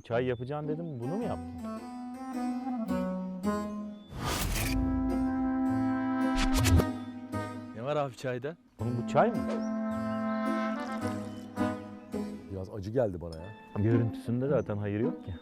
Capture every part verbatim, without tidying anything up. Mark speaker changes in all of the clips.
Speaker 1: çay yapacaksın dedim, bunu mu yaptın?
Speaker 2: Ne var abi çayda?
Speaker 1: Oğlum bu çay mı?
Speaker 3: Biraz acı geldi bana ya.
Speaker 1: Görüntüsünde zaten hayır yok ki.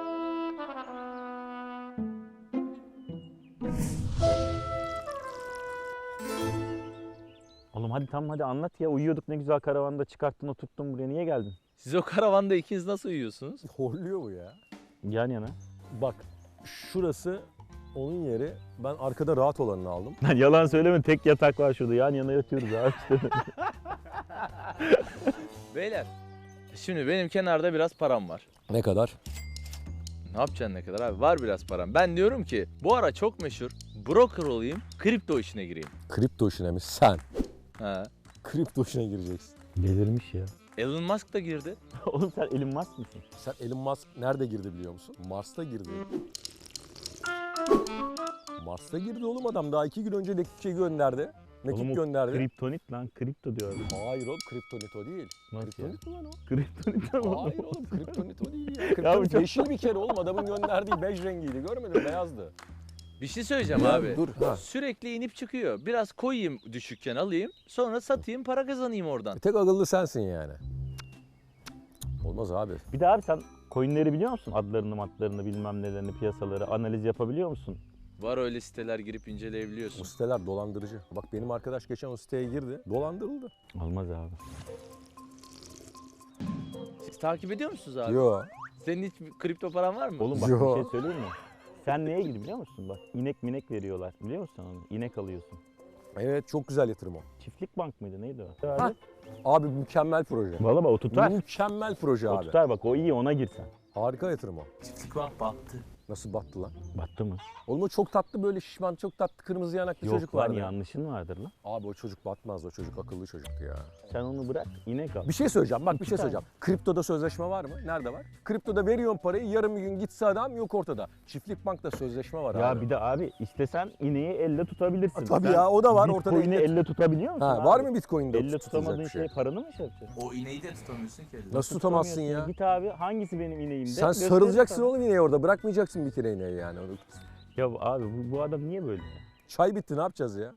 Speaker 1: Oğlum hadi tamam hadi anlat ya. Uyuyorduk ne güzel karavanda, çıkarttın oturttun buraya. Niye geldin?
Speaker 2: Siz o karavanda ikiniz nasıl uyuyorsunuz?
Speaker 3: Horluyor bu ya.
Speaker 1: Yan yana.
Speaker 3: Bak şurası onun yeri. Ben arkada rahat olanını aldım.
Speaker 1: Lan yalan söyleme, tek yatak var şurada. Yan yana yatıyoruz abi işte.
Speaker 2: Beyler, şimdi benim kenarda biraz param var.
Speaker 3: Ne kadar?
Speaker 2: Ne yapacaksın ne kadar abi? Var biraz param. Ben diyorum ki bu ara çok meşhur. Broker olayım, kripto işine gireyim.
Speaker 3: Kripto işine mi? Sen.
Speaker 2: Ha.
Speaker 3: Kripto işine gireceksin.
Speaker 1: Delirmiş ya.
Speaker 2: Elon Musk da girdi.
Speaker 1: Oğlum sen Elon Musk mısın?
Speaker 3: Sen Elon Musk nerede girdi biliyor musun? Mars'ta girdi. Mars'ta girdi oğlum adam. Daha iki gün önce de şey gönderdi. Mekik
Speaker 1: Oğlum o
Speaker 3: gönderdi.
Speaker 1: kriptonit lan, kripto diyor adam.
Speaker 3: Hayır oğlum kriptonit o değil.
Speaker 1: Nasıl
Speaker 3: Kriptonit mi lan o?
Speaker 1: Kriptonit ama.
Speaker 3: Hayır oğlum kriptonit o değil ya.
Speaker 1: bu
Speaker 3: Kriptonit
Speaker 1: çok-
Speaker 3: yeşil bir kere oğlum. Adamın gönderdiği bej rengiydi. Görmedin beyazdı.
Speaker 2: Bir şey söyleyeceğim
Speaker 3: Ya
Speaker 2: abi.
Speaker 3: dur, ha.
Speaker 2: Sürekli inip çıkıyor. Biraz koyayım düşükken alayım. Sonra satayım, para kazanayım oradan.
Speaker 3: Bir tek akıllı sensin yani. Olmaz abi.
Speaker 1: Bir de abi sen coinleri biliyor musun? Adlarını, matlarını, bilmem nelerini, piyasaları analiz yapabiliyor musun?
Speaker 2: Var öyle siteler girip
Speaker 3: O
Speaker 2: inceleyebiliyorsun.
Speaker 3: siteler dolandırıcı. Bak benim arkadaş geçen o siteye girdi. Dolandırıldı.
Speaker 1: Olmaz abi.
Speaker 2: Siz takip ediyor musunuz abi?
Speaker 3: Yo.
Speaker 2: Senin hiç kripto paran var mı?
Speaker 1: Oğlum bak
Speaker 3: Yo.
Speaker 1: bir şey söyleyeyim mi? Sen neye gir biliyor musun? Bak inek minek veriyorlar. Biliyor musun onu? İnek alıyorsun.
Speaker 3: Evet çok güzel yatırım o.
Speaker 1: Çiftlik bank mıydı neydi o?
Speaker 3: Ha.
Speaker 1: Abi.
Speaker 3: Abi mükemmel proje.
Speaker 1: Valla bak o tutar.
Speaker 3: Mükemmel proje
Speaker 1: O
Speaker 3: abi.
Speaker 1: tutar bak, o iyi, ona girsen.
Speaker 3: Harika yatırım o.
Speaker 2: Çiftlik bank battı.
Speaker 3: Nasıl battı lan?
Speaker 1: Battı mı?
Speaker 3: Oğlum o çok tatlı böyle şişman, çok tatlı kırmızı yanaklı çocuk
Speaker 1: Yok lan,
Speaker 3: vardı.
Speaker 1: yanlışın vardır lan.
Speaker 3: Abi o çocuk batmaz, o çocuk akıllı çocuktu ya.
Speaker 1: Sen onu bırak, inek al.
Speaker 3: Bir şey söyleyeceğim, bak bir şey
Speaker 1: tane.
Speaker 3: söyleyeceğim. Kriptoda sözleşme var mı? Nerede var? Kriptoda veriyorsun parayı, yarım bir gün gitse adam yok ortada. Çiftlik bankta sözleşme var
Speaker 1: Ya
Speaker 3: abi.
Speaker 1: bir de abi istesen ineği elle tutabilirsin.
Speaker 3: Ha, tabii
Speaker 1: Sen
Speaker 3: ya, o da var, ortada
Speaker 1: Bitcoin'i
Speaker 3: elle-
Speaker 1: elle tutabiliyor musun
Speaker 3: Ha,
Speaker 1: abi?
Speaker 3: var mı Bitcoin'de
Speaker 1: Elle
Speaker 3: tutulacak
Speaker 1: tutamadığın
Speaker 3: bir
Speaker 1: şey,
Speaker 3: şey?
Speaker 1: paranı mı şey yapacaksın?
Speaker 2: O ineği de tutamıyorsun ki.
Speaker 3: Nasıl tutamazsın ya?
Speaker 1: Tutamıyorsun. Git abi, hangisi benim ineğim de?
Speaker 3: Sen
Speaker 1: gösterir
Speaker 3: sarılacaksın
Speaker 1: sana.
Speaker 3: oğlum ineği orada, bırakmayacaksın bir kere ineği yani.
Speaker 1: Ya abi bu, bu adam niye böyle ya?
Speaker 3: Çay bitti, ne yapacağız ya?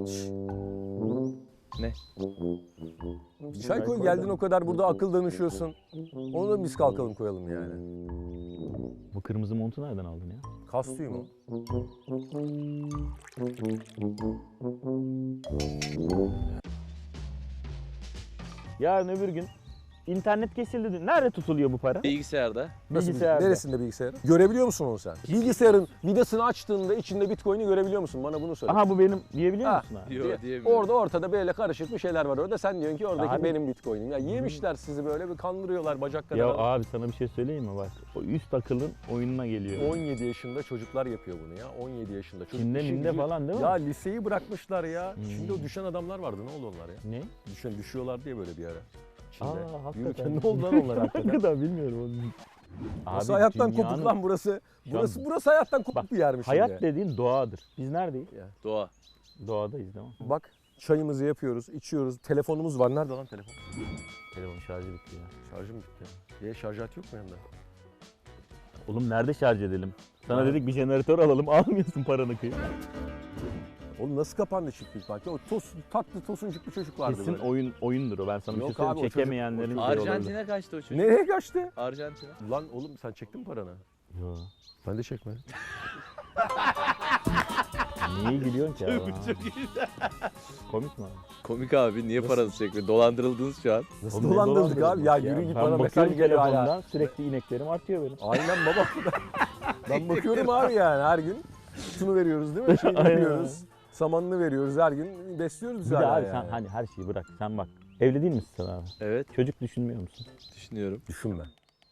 Speaker 2: Ne?
Speaker 3: Bir çay koy, geldin o kadar burada akıl danışıyorsun. Onu da biz kalkalım koyalım yani.
Speaker 1: Bu kırmızı montu nereden aldın ya?
Speaker 3: Kas tüyü mü?
Speaker 1: Yarın öbür gün internet kesildi. Nerede tutuluyor bu para?
Speaker 2: Bilgisayarda.
Speaker 3: Nasıl
Speaker 1: Bilgisayarda.
Speaker 3: Neresinde bilgisayarın? Görebiliyor musun onu sen? Bilgisayarın vidasını açtığında içinde Bitcoin'i görebiliyor musun? Bana bunu söyle.
Speaker 1: Aha bu benim diyebiliyor
Speaker 3: Ha.
Speaker 1: musun abi?
Speaker 2: Yok
Speaker 3: Diye-
Speaker 2: diyemiyorum.
Speaker 3: Orada ortada böyle karışık bir şeyler var orada. Sen diyorsun ki oradaki
Speaker 1: Abi-
Speaker 3: benim Bitcoin'im. Ya yemişler sizi böyle bir kandırıyorlar bacak kadar.
Speaker 1: Ya
Speaker 3: adam.
Speaker 1: abi sana bir şey söyleyeyim mi bak? O üst akılın oyununa geliyor.
Speaker 3: on yedi yaşında çocuklar yapıyor bunu ya. on yedi yaşında. Çocuk
Speaker 1: Çin'de
Speaker 3: işi
Speaker 1: minde
Speaker 3: gücü-
Speaker 1: falan değil mi?
Speaker 3: Ya liseyi bırakmışlar ya.
Speaker 1: Hmm.
Speaker 3: Şimdi o düşen adamlar vardı. Ne oldu onlar ya?
Speaker 1: Ne?
Speaker 3: Düşen, düşüyorlar diye böyle bir ara. Çin'de.
Speaker 1: Aa hakikaten.
Speaker 3: Yürürken ne oldu lan onlar hakikaten?
Speaker 1: Hakikaten bilmiyorum onu.
Speaker 3: Burası
Speaker 1: Abi
Speaker 3: hayattan
Speaker 1: dünyanın-
Speaker 3: kopuk lan burası.
Speaker 1: Şu an-
Speaker 3: Burası burası hayattan kopuk
Speaker 1: Bak,
Speaker 3: bir yermiş
Speaker 1: Hayat
Speaker 3: şimdi.
Speaker 1: dediğin doğadır. Biz neredeyiz?
Speaker 2: Doğa.
Speaker 1: Doğadayız değil mi?
Speaker 3: Bak çayımızı yapıyoruz, içiyoruz. Telefonumuz var. Nerede lan telefon?
Speaker 1: Telefon şarjı bitti ya.
Speaker 3: Şarjım bitti. Niye şarj aleti yok mu yanında?
Speaker 1: Oğlum nerede şarj edelim? Sana
Speaker 3: Ha.
Speaker 1: dedik bir jeneratör alalım, almıyorsun paranı kıyıp.
Speaker 3: Oğlum nasıl kapandı çiftlik banka? O tos, tatlı tosuncuk bir çocuk vardı
Speaker 1: Kesin
Speaker 3: böyle.
Speaker 1: oyun oyundur o. Ben sana bir
Speaker 3: Yok
Speaker 1: şey söyleyeyim.
Speaker 3: abi, o çocuk-
Speaker 1: Çekemeyenlerin
Speaker 3: o
Speaker 1: şey olabilir.
Speaker 2: Arjantin'e kaçtı o çocuk.
Speaker 3: Nereye kaçtı?
Speaker 2: Arjantin'e.
Speaker 3: Lan oğlum sen çektin mi paranı?
Speaker 1: Yo.
Speaker 3: Ben de çekmedim.
Speaker 1: Niye gülüyorsun ki abi?
Speaker 2: Çok iyi.
Speaker 1: Komik mi abi?
Speaker 2: Komik abi niye parası çekmiyor? Dolandırıldınız şu an.
Speaker 3: Nasıl
Speaker 1: Oğlum ne
Speaker 3: dolandırdık abi? Ya
Speaker 1: dolandırılması
Speaker 3: yürü git
Speaker 1: Ben
Speaker 3: bana mesaj
Speaker 1: bakıyorum
Speaker 3: geliyor hala.
Speaker 1: telefondan, sürekli ineklerim artıyor benim.
Speaker 3: Aynen baba. Ben bakıyorum abi yani her gün. Şunu veriyoruz değil mi? Şeyini
Speaker 1: Aynen.
Speaker 3: veriyoruz. Samanını veriyoruz her gün. Besliyoruz biz
Speaker 1: Bir de
Speaker 3: hala
Speaker 1: abi
Speaker 3: yani.
Speaker 1: sen hani her şeyi bırak. Sen bak. Evli değil misin sen abi?
Speaker 2: Evet
Speaker 1: Çocuk düşünmüyor musun?
Speaker 2: düşünüyorum.
Speaker 3: Düşünme.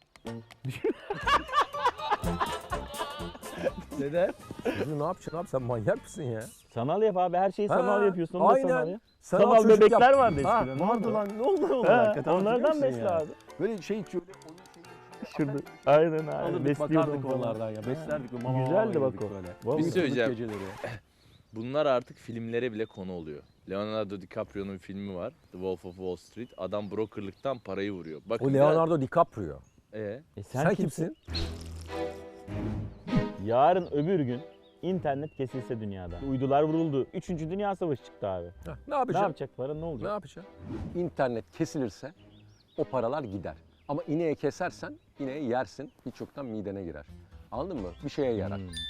Speaker 2: Neden?
Speaker 3: Çocuğu ne yapacaksın abi? Sen manyak mısın ya?
Speaker 1: Sanal yap abi. Her şeyi
Speaker 3: Ha,
Speaker 1: sanal yapıyorsun. Onu da
Speaker 3: aynen.
Speaker 1: sanal yap.
Speaker 3: Sanal
Speaker 1: Sanal
Speaker 3: çocuk
Speaker 1: bebekler
Speaker 3: yap-
Speaker 1: vardı
Speaker 3: Ha,
Speaker 1: eskiden. ne
Speaker 3: vardı
Speaker 1: oldu?
Speaker 3: lan. Ne oldu onlar
Speaker 1: Ha,
Speaker 3: hakikaten?
Speaker 1: onlardan
Speaker 3: hatırlıyor musun
Speaker 1: besle
Speaker 3: ya?
Speaker 1: abi.
Speaker 3: Böyle şey şöyle
Speaker 1: Şurada. Aynen abi.
Speaker 3: alırdık
Speaker 1: Besliyordum
Speaker 3: bakardık
Speaker 1: falan.
Speaker 3: onlardan ya.
Speaker 1: Ha.
Speaker 3: Beslerdik. Ve mama
Speaker 1: Güzeldi
Speaker 3: mama
Speaker 1: bak
Speaker 3: yedirdik
Speaker 1: o.
Speaker 3: böyle.
Speaker 1: Vallahi.
Speaker 2: Bir şey söyleyeceğim.
Speaker 3: Geceleri.
Speaker 2: Bunlar artık filmlere bile konu oluyor. Leonardo DiCaprio'nun filmi var. The Wolf of Wall Street. Adam brokerlıktan parayı vuruyor. Bakın
Speaker 3: O
Speaker 2: biraz-
Speaker 3: Leonardo DiCaprio. Ee,
Speaker 1: E
Speaker 3: sen, kimsin?
Speaker 1: Yarın öbür gün internet kesilse dünyada. Uydular vuruldu. Üçüncü Dünya Savaşı çıktı abi.
Speaker 3: Heh, ne
Speaker 1: Ne
Speaker 3: yapacaksın?
Speaker 1: yapacak para, ne
Speaker 3: Ne
Speaker 1: olacak?
Speaker 3: yapacaksın? İnternet kesilirse o paralar gider. Ama ineği kesersen ineği yersin. Hiç yoktan midene girer. Anladın mı? Bir şeye yarar.
Speaker 1: Hmm.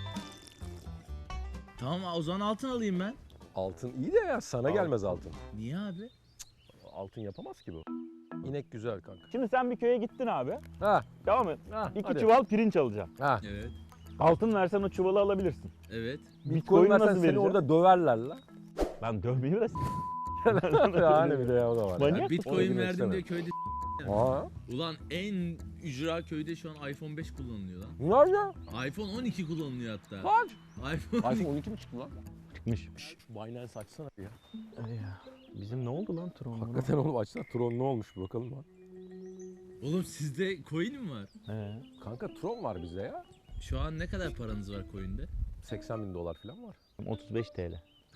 Speaker 2: Tamam o zaman altın alayım ben.
Speaker 3: Altın iyi de ya sana gelmez altın.
Speaker 2: Niye abi?
Speaker 3: Altın yapamaz ki bu. İnek güzel kanka.
Speaker 1: Şimdi sen bir köye gittin abi.
Speaker 3: Ha,
Speaker 1: Tamam mı?
Speaker 3: ha
Speaker 1: İki
Speaker 3: hadi.
Speaker 1: çuval pirinç alacaksın.
Speaker 3: Ha.
Speaker 2: Evet.
Speaker 1: Altın versen o çuvalı alabilirsin.
Speaker 2: Evet.
Speaker 3: Bitcoin versen
Speaker 1: nasıl
Speaker 3: seni
Speaker 1: vereceksin?
Speaker 3: orada döverler lan.
Speaker 1: Ben dövmeyi de
Speaker 3: Yani bir de ya o da var.
Speaker 1: Manyak
Speaker 3: ya.
Speaker 1: mısın?
Speaker 2: Bitcoin
Speaker 3: girmek
Speaker 2: verdim
Speaker 3: istemem.
Speaker 2: diye köyde
Speaker 3: Aa,
Speaker 2: Ulan en ücra köyde şu an iPhone beş kullanılıyor lan.
Speaker 3: ne ya?
Speaker 2: iPhone on iki kullanılıyor hatta.
Speaker 3: Kaç?
Speaker 2: iPhone
Speaker 3: iPhone on iki mi çıktı lan?
Speaker 1: Çıkmış.
Speaker 3: Şu Binance açsana ya.
Speaker 1: Bizim ne oldu lan Tron?
Speaker 3: Hakikaten oğlum açsana. Tron ne olmuş bir bakalım lan.
Speaker 2: Oğlum sizde coin mi var?
Speaker 1: He.
Speaker 3: Kanka Tron var bizde ya.
Speaker 2: Şu an ne kadar paranız var coin'de?
Speaker 3: seksen bin dolar falan var.
Speaker 1: otuz beş T L.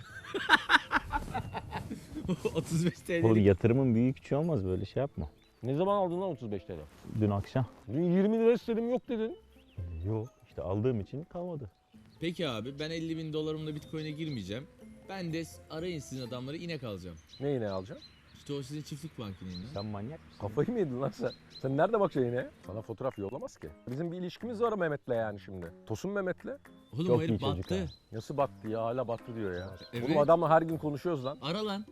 Speaker 2: otuz beş T L'lik.
Speaker 1: Oğlum yatırımın büyük küçüğü olmaz, böyle şey yapma.
Speaker 3: Ne zaman aldın lan otuz beş T L?
Speaker 1: Dün akşam.
Speaker 3: Dün yirmi lira istedim yok dedin.
Speaker 1: Yok. İşte aldığım için kalmadı.
Speaker 2: Peki abi ben elli bin dolarımla Bitcoin'e girmeyeceğim. Ben de arayın sizin adamları inek alacağım.
Speaker 3: Ne ineği alacaksın?
Speaker 2: İşte o sizin çiftlik bank ineğinden.
Speaker 1: Sen manyak mısın?
Speaker 3: Kafayı mı yedin lan sen? Sen nerede bakacaksın ineğe? Sana fotoğraf yollamaz ki. Bizim bir ilişkimiz var Mehmet'le yani şimdi. Tosun Mehmet'le.
Speaker 2: Oğlum
Speaker 1: Çok
Speaker 2: o
Speaker 1: iyi
Speaker 2: herif
Speaker 1: çocuk
Speaker 2: battı.
Speaker 1: ha.
Speaker 3: Nasıl battı ya hala battı diyor ya.
Speaker 2: Evet.
Speaker 3: Oğlum adamla her gün konuşuyoruz lan.
Speaker 2: Ara lan.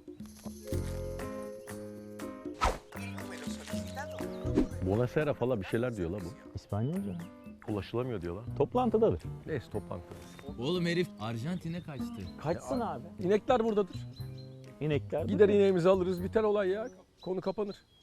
Speaker 3: Buonasera falan bir şeyler diyor la bu.
Speaker 1: İspanyolca.
Speaker 3: Ulaşılamıyor diyorlar.
Speaker 1: Toplantıdadır.
Speaker 3: Neyse toplantı.
Speaker 2: Oğlum herif Arjantin'e kaçtı.
Speaker 1: Kaçsın abi.
Speaker 3: İnekler buradadır.
Speaker 1: İnekler.
Speaker 3: Gider ineğimizi alırız biter olay ya. Konu kapanır.